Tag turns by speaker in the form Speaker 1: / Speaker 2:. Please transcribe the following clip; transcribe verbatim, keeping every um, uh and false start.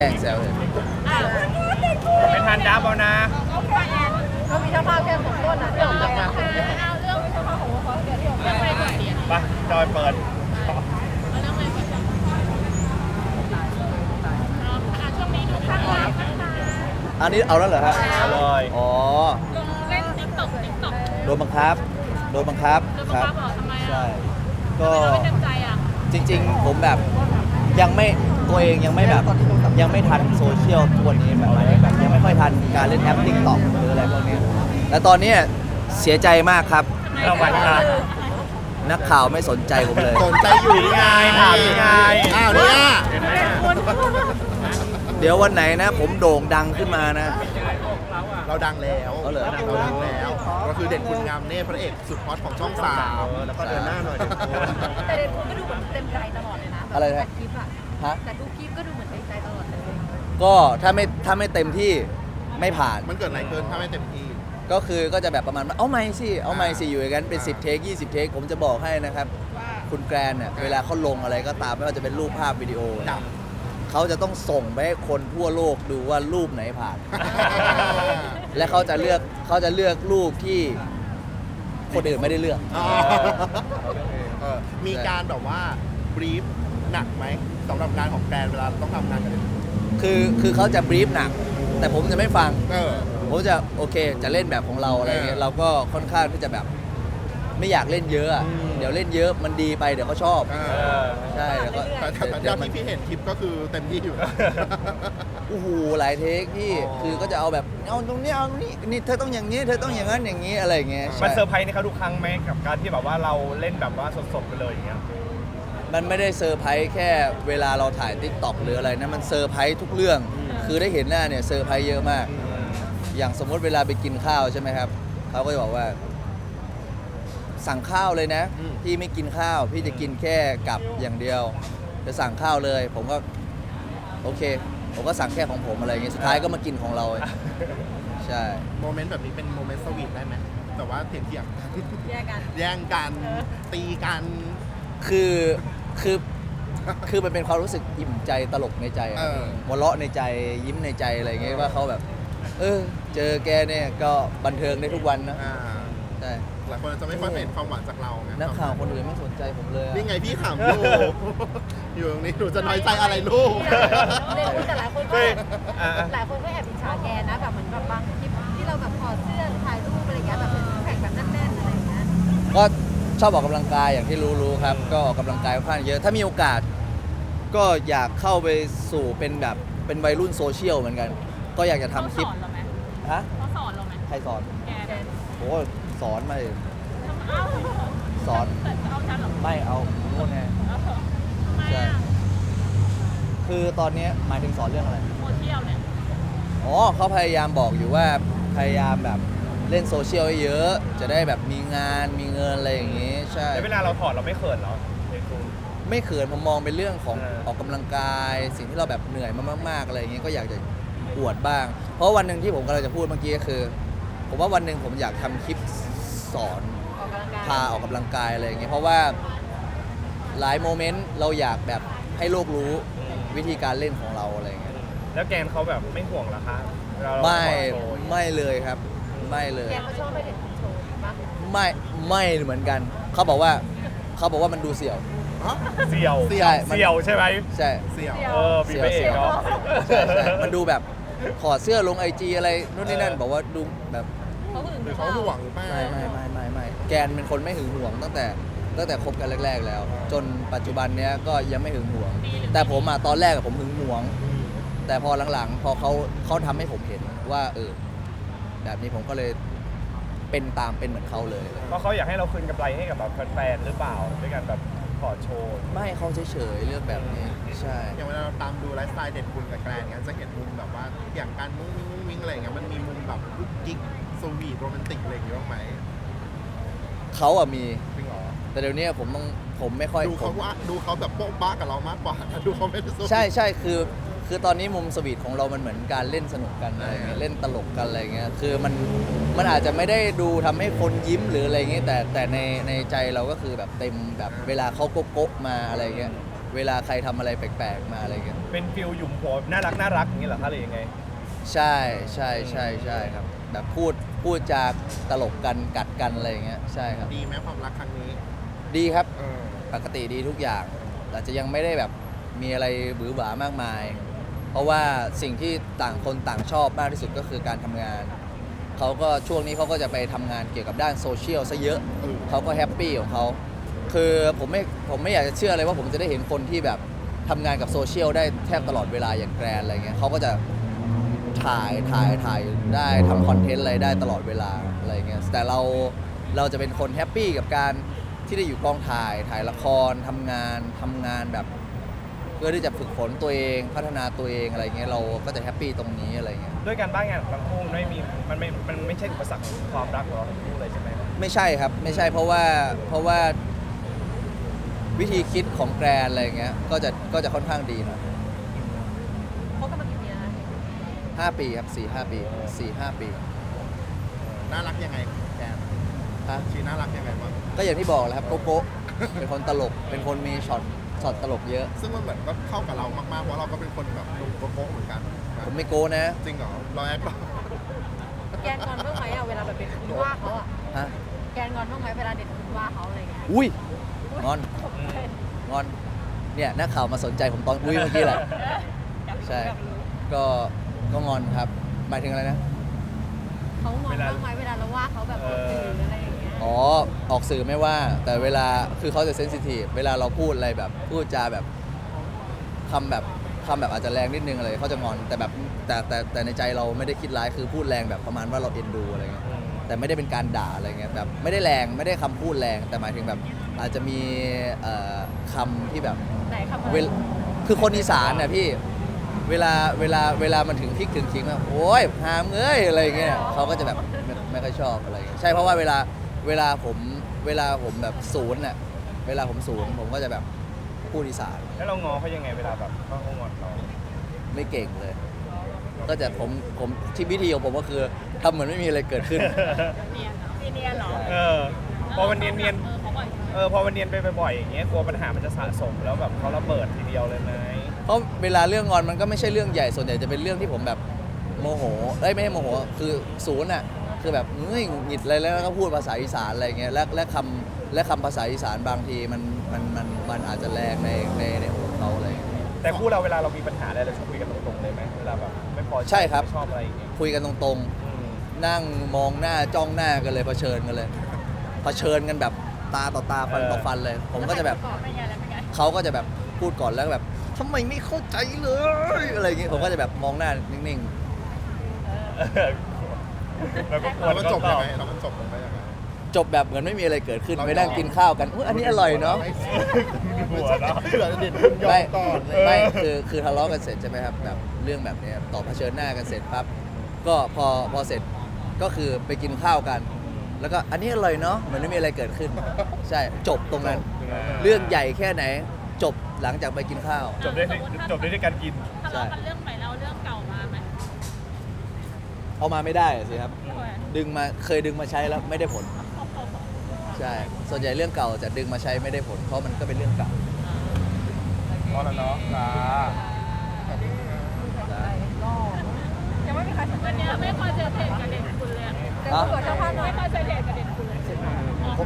Speaker 1: แกล้งแซวเลย
Speaker 2: ไม่ทันดับเอานะ
Speaker 3: ก็มีเจ้าภาพแค่สองคนนะที่ออกไปอ่ะ
Speaker 4: เอาเรื่องเจ้าภาพของวอลเดี๋ยวที่ออกไปก่อนเรียน
Speaker 2: ไปจอยเปิด
Speaker 4: เอาเรื่องอะไรก่อนจ้ะอ่าช่วงนี้ดูข้างไลฟ์นะคะ
Speaker 1: อันนี้เอาแล้วเหรอฮะ
Speaker 2: เลย
Speaker 1: อ๋อ
Speaker 4: ลงเล่นติ๊กต็อกติ๊กต็อก
Speaker 1: โดนบังคับโดนบังคับ
Speaker 4: โดน
Speaker 1: ค
Speaker 4: บัง
Speaker 1: รับ
Speaker 4: คับเหรอทำไมอ่ะ
Speaker 1: ใช่
Speaker 4: ทำ
Speaker 1: ก็
Speaker 4: ไมเราไม่เต็มใจอ่ะ
Speaker 1: จริงๆผมแบบยังไม่ตัวเองยังไม่แบบยังไม่ทันโซเชียลทุกวันนี้แบบแบบยังไม่ค่อยทันการเล่นแอปติ๊กต็อกหรืออะไรพวกนี้และตอนนี้เสียใจมากครับ
Speaker 2: รางวัลค่ะ
Speaker 1: นักข่าวไม่สนใจผมเลย
Speaker 5: สนใจอยู่
Speaker 2: นี่ไงถามนี่ไง
Speaker 5: อ้าวเนี่ย
Speaker 2: เห็นไหม
Speaker 1: เดี๋ยววันไหนนะ ผมโด่งดังขึ้นมานะ
Speaker 5: เราดังแล้ว
Speaker 1: เอาเหรอ
Speaker 5: เราดังแล้ว ก็คือเด่นคุณงามเนตรพระเอกสุดฮอตของช่องสามแล้วก็เดินหน้าหน่อยเดี๋ยวคุณ
Speaker 3: แต่เด็กคุณก็ดูเหมือนเต็มใจตลอดเลยนะ
Speaker 1: อะไร
Speaker 3: แต่
Speaker 1: นะ
Speaker 3: คลิปอ่ะ
Speaker 1: ฮะ
Speaker 3: แต่ดูคลิปก็ดูเหมือนเต็มใจตลอดเลย
Speaker 1: ก็ถ้าไม่ถ้าไม่เต็มที่ไม่ผ่าน
Speaker 5: มันเกิดอะไรขึ้นถ้าไม่เต็มที่
Speaker 1: ก็คือก็จะแบบประมาณว่าเอาไม่สิเอาไม่สิอยู่อย่างนั้นเป็นสิบเทคยี่สิบเทคผมจะบอกให้นะครับ คุณแกรนเนี่ยเวลาเขาลงอะไรก็ตามไม่ว่าจะเป็นรูปภาพวิดีโอ
Speaker 5: ดัง
Speaker 1: เขาจะต้องส่งไปให้คนทั่วโลกดูว่ารูปไหนผ่าน และเขาจะเลือกเขาจะเลือกรูปที่คนอื่นไม่ได้เลือก
Speaker 5: อ๋อเออมีการแบบว่าบรีฟหนักไหมสำหรับงานของแกรนเวลาต้องทำงานกันเนี่ย
Speaker 1: คือคือเขาจะบรีฟหนัก แต่ผมจะไม่ฟัง
Speaker 5: เออ
Speaker 1: ผมจะโอเคจะเล่นแบบของเราอะไรเงี้ย
Speaker 5: เออ
Speaker 1: เราก็ค่อนข้างที่จะแบบไม่อยากเล่นเยอะอะ
Speaker 5: อืม
Speaker 1: เดี๋ยวเล่นเยอะมันดีไปเดี๋ยวเขาชอบ
Speaker 5: เอ
Speaker 2: เอ
Speaker 5: อ
Speaker 2: อ
Speaker 1: ใช่แล้วก็
Speaker 5: แต่แต่แต่
Speaker 1: เดี๋ยวมั
Speaker 5: ที่
Speaker 1: น
Speaker 5: พี่เห็นคลิปก็คือเต็มที่อยู่
Speaker 1: โอ้โหหลายเทคพี่
Speaker 5: อ๋อ
Speaker 1: คือก็จะเอาแบบเอาตรงนี้เอาตรงนี้นี่เธอต้องอย่างนี้เธอต้องอย่างนั้นอย่างนี้อะไรอย่างเงี้ย
Speaker 2: มัน
Speaker 1: ใช่
Speaker 2: เซอร์ไพรส์ในเขาทุกครั้งไหมกับการที่แบบว่าเราเล่นแบบว่าสดๆไปเลยอย่างเงี้ย
Speaker 1: มันไม่ได้เซอร์ไพรส์แค่เวลาเราถ่ายทิกตอกหรืออะไรนะมันเซอร์ไพรส์ทุกเรื่อง คือได้เห็นหน้าเนี่ยเซอร์ไพรส์เยอะมาก อย่างสมมติเวลาไปกินข้าวใช่ไหมครับเขาก็จะบอกว่า สั่งข้าวเลยนะ
Speaker 5: อืม
Speaker 1: พี่ไม่กินข้าว พี่จะกินแค่กับอย่างเดียวจะสั่งข้าวเลย ผมก็โอเค ผมก็สั่งแค่ของผมอะไรอย่างเงี้ยสุดท้ายก็มากินของเรา ใช่
Speaker 5: โมเมนต์แบบนี้เป็นโมเมนต์สวีทได้ไหมแต่ว่าเถียงเถียงๆกัน
Speaker 3: แยกกัน
Speaker 5: แย่งกันตีกัน
Speaker 1: คือคือคือมันเป็นความรู้สึกอิ่มใจตลกในใจอะ
Speaker 5: เออ
Speaker 1: หัวเราะในใจยิ้มในใจอะไรอย่างเงี้ยว่าเขาแบบ เออ เจอแกเนี่ยก็บันเทิงได้ทุกวันนะ
Speaker 5: อ่า
Speaker 1: ใช่
Speaker 5: หลายคนอาจจะไม่ค่อยเห็นความหวานจากเราไง
Speaker 1: นักข่าวคนอื่นไม่สนใจผมเลยอะ
Speaker 5: นี่ไงพี่ขำลูก อยู่ตรงนี้หนูจะน้อยใจอะไรลูก
Speaker 3: เด็กคุณแต่หลายคนก็
Speaker 2: เฮ้ยอ่ะ
Speaker 3: หลายคนก็แอบอิจฉาแกนะแบบเหมือนแบบบางคลิปที่เราแบบถอดเสื้อถ่ายรูปอะไรอย่างเงี้ยแบบเป็นแข่งแบบแน่นๆอะไรอย่างเงี้ย
Speaker 1: ก็ชอบออกกำลังกายอย่างที่รู้ๆครับ ก็ออกกำลังกายค่อนข้างเยอะ ถ้ามีโอกาส ก็อยากเข้าไปสู่เป็นแบบเป็นวัยรุ่นโซเชียลเหมือนกัน ก็อยากจะทำคลิป
Speaker 4: เขาสอนเราไหม
Speaker 1: ฮะ
Speaker 4: เขาสอนเราไหม
Speaker 1: ใครสอน
Speaker 4: แกเนี่ย
Speaker 1: โอ้สอนมาเลย
Speaker 4: เอ้า
Speaker 1: สอน
Speaker 4: แต่เอาฉันเหรอ
Speaker 1: ไม่เอาโน่นไง
Speaker 4: เอาเถอะทำไม
Speaker 1: ใช่
Speaker 4: อ่ะ
Speaker 1: คือตอนนี้หมายถึงสอนเรื่องอะไร
Speaker 4: โซเชียลเนี่ย
Speaker 1: อ๋อเขาพยายามบอกอยู่ว่าพยายามแบบเล่นโซเชียลให้เยอะ จะได้แบบมีงานมีเงินอะไรอย่างงี้ ใช่
Speaker 2: แล้วเวลาเราถอดเราไม่เขินเหรอเด็กคุณ
Speaker 1: ไม่เขินผมมองเป็นเรื่องของ
Speaker 2: เออ
Speaker 1: ออกกำลังกาย สิ่งที่เราแบบเหนื่อยมามากๆอะไรอย่างเงี้ยก็อยากจะอวดบ้าง เพราะวันหนึ่งที่ผมกำลังจะพูดเมื่อกี้ก็คือ ผมว่าวันหนึ่งผมอยากทำคลิปสอน
Speaker 3: ออกกำลังกาย
Speaker 1: พาออกกำลังกายอะไรอย่างเงี้ยเพราะว่าหลายโมเมนต์เราอยากแบบให้โลกรู้วิธีการเล่นของเราอะไรอย่างเงี้ย
Speaker 2: แล้วแกนเขาแบบไม่ห่วงเหรอคะเวลาเรา
Speaker 1: ไม่
Speaker 2: ถอดโชว์
Speaker 1: ไม่เลยครับ ไม่เลย
Speaker 3: แกเขาชอบไปเห็นโชว์ปะ
Speaker 1: ไม่ไม่เหมือนกัน เขาบอกว่าเขาบอกว่ามันดูเสี่ยว
Speaker 2: เสี่ยว
Speaker 5: เสี่ยว
Speaker 1: ใช่มัน
Speaker 2: เสี่ยวใช่ไหม
Speaker 1: ใช่
Speaker 5: เสี่ยว
Speaker 2: เออมีพระเอกเนาะ
Speaker 1: ใช่ใช่มันดูแบบถอดเสื้อลงไอจีอะไรนู่นนี่นั่นบอกว่าดูแบบ
Speaker 3: เขาหึง
Speaker 5: หรือเขาห่วงหรือเปล่า
Speaker 1: ไม่ไม่ไม่ไม่ไม่แกนเป็นคนไม่หึงหวงตั้งแต่ตั้งแต่คบกันแรก ๆ แล้ว จนปัจจุบันเนี้ยก็ยังไม่หึงหวง แต่ผมอะตอนแรกอะผมหึงหวง
Speaker 5: อืม
Speaker 1: แต่พอหลังๆ พอเขาเขาทำให้ผมเห็นว่าเออแบบนี้ผมก็เลยเป็นตามเป็นเหมือนเขาเลย
Speaker 2: เพราะเขาอยากให้เราคืนกำไรให้กับแบบแฟนๆหรือเปล่าด้วยการแบบถอดโชว์
Speaker 1: ไม่เขาเฉยๆเรื่องแบบนี้ใช่
Speaker 5: อย่างเวลาเราตามดูไลฟ์สไตล์เด่นคุณกับแกรนเงี้ยจะเห็นมุมแบบว่าอย่างการมุ้งมิ้งมุ้งมิ้งอะไรเงี้ยมันมีมุมแบบกุ๊กกิ๊กสวีทโรแมนติกอะไรอย่างเงี้ยบ้างไหม
Speaker 1: เขาอะมี
Speaker 5: จริงเหรอ
Speaker 1: แต่เดี๋ยวนี้ผมต้องผมไม่ค่อย
Speaker 5: ดู
Speaker 1: ผ
Speaker 5: เขา
Speaker 1: ม
Speaker 5: ว่าดูเขาแบบโป๊ะบ้ากับเรามากกว่า ดูเขาไม่ได้สวีท
Speaker 1: ใช่ใช่คือ คือตอนนี้มุมสวีทของเรามันเหมือนการเล่นสนุกกันอะไรเงี้ยเล่นตลกกันอะไรเงี้ยคือมันมันอาจจะไม่ได้ดูทำให้คนยิ้มหรืออะไรเงี้ยแต่แต่ในในใจเราก็คือแบบเต็มแบบเวลาเขาโก๊ะๆมาอะไรเงี้ยเวลาใครทำอะไรแปลกๆมาอะไรเงี้ย
Speaker 2: เป็นฟิลหยุมหัวน่ารักน่ารักอย่างนี้เหรอคะหรือยังไง
Speaker 1: ใช่ใช่ใช่ใช่ครับ แบบพูดพูดจาตลกกันกัดกันอะไรอย่างเงี้ยใช่ครับ
Speaker 5: ดีไหมความรักครั้งนี้
Speaker 1: ดีครับ
Speaker 5: เออ
Speaker 1: ปกติดีทุกอย่างอาจจะยังไม่ได้แบบมีอะไรหวือหวามากมาย เพราะว่าสิ่งที่ต่างคนต่างชอบมากที่สุดก็คือการทำงาน เขาก็ช่วงนี้เขาก็จะไปทำงานเกี่ยวกับด้านโซเชียลซะเยอะ
Speaker 5: เออ
Speaker 1: เขาก็แฮปปี้ของเขา คือผมไม่ผมไม่อยากจะเชื่อเลยว่าผมจะได้เห็นคนที่แบบทำงานกับโซเชียลได้แทบตลอดเวลาอย่างแกรนอะไรเงี้ยเขาก็จะถ่ายถ่ายถ่ายได้ทำคอนเทนต์อะไรได้ตลอดเวลาอะไรเงี้ย แต่เราเราจะเป็นคนแฮปปี้กับการที่ได้อยู่กองถ่ายถ่ายละครทำงานทำงานแบบ เพื่อที่จะฝึกฝนตัวเองพัฒนาตัวเองอะไรเงี้ยเราก็จะแฮปปี้ตรงนี้อะไรเงี้ย
Speaker 2: ด้วยการบ้านงานของทั้งคู่มันไม่มีมันไม่มันไม่ใช่อุปสรรคของความรักของเราทั้งคู่เลยใช่ไหม
Speaker 1: ไม่ใช่ครับไม่ใช่เพราะว่าเพราะว่าวิธีคิดของแกรนอะไรเงี้ยก็จะก็จะค่อนข้างดีหน่อย
Speaker 3: เขากำลังกี่ปีแล้วนะ
Speaker 1: ห้าปีครับสี่ห้าปีสี่ห้าปี
Speaker 5: น่ารักยังไงแกน
Speaker 1: ฮะ
Speaker 5: ชีน่ารักยังไงบ้าง
Speaker 1: ก็อย่างที่บอกแหล้วครับโกโก้เป็นคนตลกเป็นคนมีช็อตช็อตตลกเยอะ
Speaker 5: ซึ่งมันเหมือนก็เข้ากับเรามากๆเพราะเราก็เป็นคนแบบหนุ่มโก๊ะๆเหมือนกัน
Speaker 1: ผมไม่โก้นะ
Speaker 5: จริงเหรอเราแอคหรอ
Speaker 3: แกนงอนบ้างไหมอะเวลาแบบเป็นคุณว่าเขาอะ
Speaker 1: ฮะ
Speaker 3: แกนงอนบ้างไหมเวลาเด็กคุณว่าเขาอะไรเงี้ย
Speaker 1: อุ้ยงอนงอนเนี่ยนักข่าวมาสนใจผมตอนอุ้ยเมื่อกี้แหละใช่ก็ก็งอนครับหมายถึงอะไรนะ
Speaker 3: เขางอนบ้างไหมเวลาเราว่าเขาแบบออกสื่ออะไรอย่างเงี้ย
Speaker 1: อ๋อ ออกสื่อไม่ว่า แต่เวลาคือเขาจะเซนซิทีฟเวลาเราพูดอะไรแบบ พูดจาแบบคำแบบคำแบบอาจจะแรงนิดนึงอะไรเขาจะงอน แต่แบบแต่แต่แต่ในใจเราไม่ได้คิดร้ายคือพูดแรงแบบประมาณว่าเราเอ็นดูอะไรเงี้ยแต่ไม่ได้เป็นการด่าอะไรเงี้ยแบบไม่ได้แรงไม่ได้คำพูดแรง แต่หมายถึงแบบอาจจะมีเอ่อคำที่แบบ
Speaker 3: ไหนคำอะไร
Speaker 1: เวลคือคนอีสานน่ะพี่เวลาเวลาเวลามันถึงพริกถึงขิงอะโอ้ยหามเอ้ยอะไรเงี้ยเขาก็จะแบบไม่ไม่ค่อยชอบอะไรเงี้ยใช่เพราะว่าเวลาเวลาผมเวลาผมแบบศูนย์น่ะเวลาผมศูนย์ผมก็จะแบบพูดอีสาน
Speaker 2: แล้วเรางอเขายังไงเวลาแบบเขางอนเรา
Speaker 1: ไม่เก่งเลย ก็จะผมผมที่วิธีของผมก็คือทำเหมือนไม่มีอะไรเกิดขึ้น
Speaker 4: เนียนเหรอมีเนียนเหรอ
Speaker 2: เออพอมันเนียนเนียน
Speaker 4: เออเขาบ่อย
Speaker 2: เออพอมันเนียนไปบ่อยๆอย่างเงี้ยกลัวปัญหามันจะสะสมแล้วแบบเขาระเบิดทีเดียวเลยไหม
Speaker 1: เพราะเวลาเรื่องงอนมันก็ไม่ใช่เรื่องใหญ่ส่วนใหญ่จะเป็นเรื่องที่ผมแบบโมโหเอ้ยไม่ใช่โมโหคือศูนย์อ่ะคือแบบเฮ้ยหงุดหงิดอะไรแล้วก็พูดภาษาอีสานอะไรเงี้ยและและคำและคำภาษาอีสานบางทีมันมันมันมันอาจจะแรงในในในหูเขาอะไรเงี้ย
Speaker 2: แต่คู่เราเวลาเรามีปัญหาอะไรเราจะคุยกันตรงๆเลยไหมเวลาแบบไม่พอ
Speaker 1: ใช่ครับ
Speaker 2: ไม่ชอบอะไรอย่างเงี้ย
Speaker 1: คุยกันตรง
Speaker 2: อืม
Speaker 1: ๆ นั่งมองหน้าจ้องหน้ากันเลยเผชิญกันเลยเผชิญกันแบบตาต่อตาฟันต่อฟันเลย ผมก็จะแบบ
Speaker 4: ไม่ไงแล้วไม่ไง
Speaker 1: เขาก็จะแบบพูดก่อนแล้วก็แบบทำไมไม่เข้าใจเลยอะไรอย่างเงี้ยผมก็จะแบบมองหน้านิ่ง
Speaker 2: แล้วก็คว
Speaker 5: เรา
Speaker 2: ร
Speaker 5: ก็จบยังไงเราก็จบลงไปยังไง
Speaker 1: ๆ จบแบบเหมือนไม่มีอะไรเกิดขึ้นไปนั่งกินข้าวกันอุ๊ยอันนี้อร่อยเนาะ
Speaker 2: หัวเนาะ
Speaker 5: เผื่อเด็ดคุณยอ
Speaker 1: ไม่
Speaker 5: มก่อนเลย
Speaker 1: ไม่คือคือทะเลาะกันเสร็จใช่ไหมครับแบบเรื่องแบบเนี้ยต่อเผชิญหน้ากันเสร็จปั๊บก็พอพอเสร็จก็คือไปกินข้าวกัน แล้วก็อันนี้อร่อยเนาะเหมือนไม่มีอะไรเกิดขึ้น ใช่จบตรงนั้น เรื่องใหญ่แค่ไหน จบหลังจากไปกินข้าว
Speaker 2: จบได้จบได้ด้วยการกิน
Speaker 4: ทะเลาะกันเรื่องใหม่แล้วเรื่องเก่ามาไหม
Speaker 1: เอามาไม่ได้อะสิครับ
Speaker 4: ทำไม
Speaker 1: ดึงมาเคยดึงมาใช้แล้วไม่ได้ผล ใช่ ส่วนใหญ่เรื่องเก่าจะดึงมาใช้ไม่ได้ผล เพราะมันก็เป็นเรื่องเก่า
Speaker 2: พอแล้วเนาะจ้า
Speaker 3: ยังไม่มีใครสนใจ
Speaker 4: วันเนี้ยไม่คอนเซนเทรตกับเด็กคุณเลยอะ
Speaker 3: เดี๋ยวคุยกับเจ้าภาพหน่อย
Speaker 4: ไม่คอนเซนเทรตกับเด็กคุณเลย
Speaker 5: ผม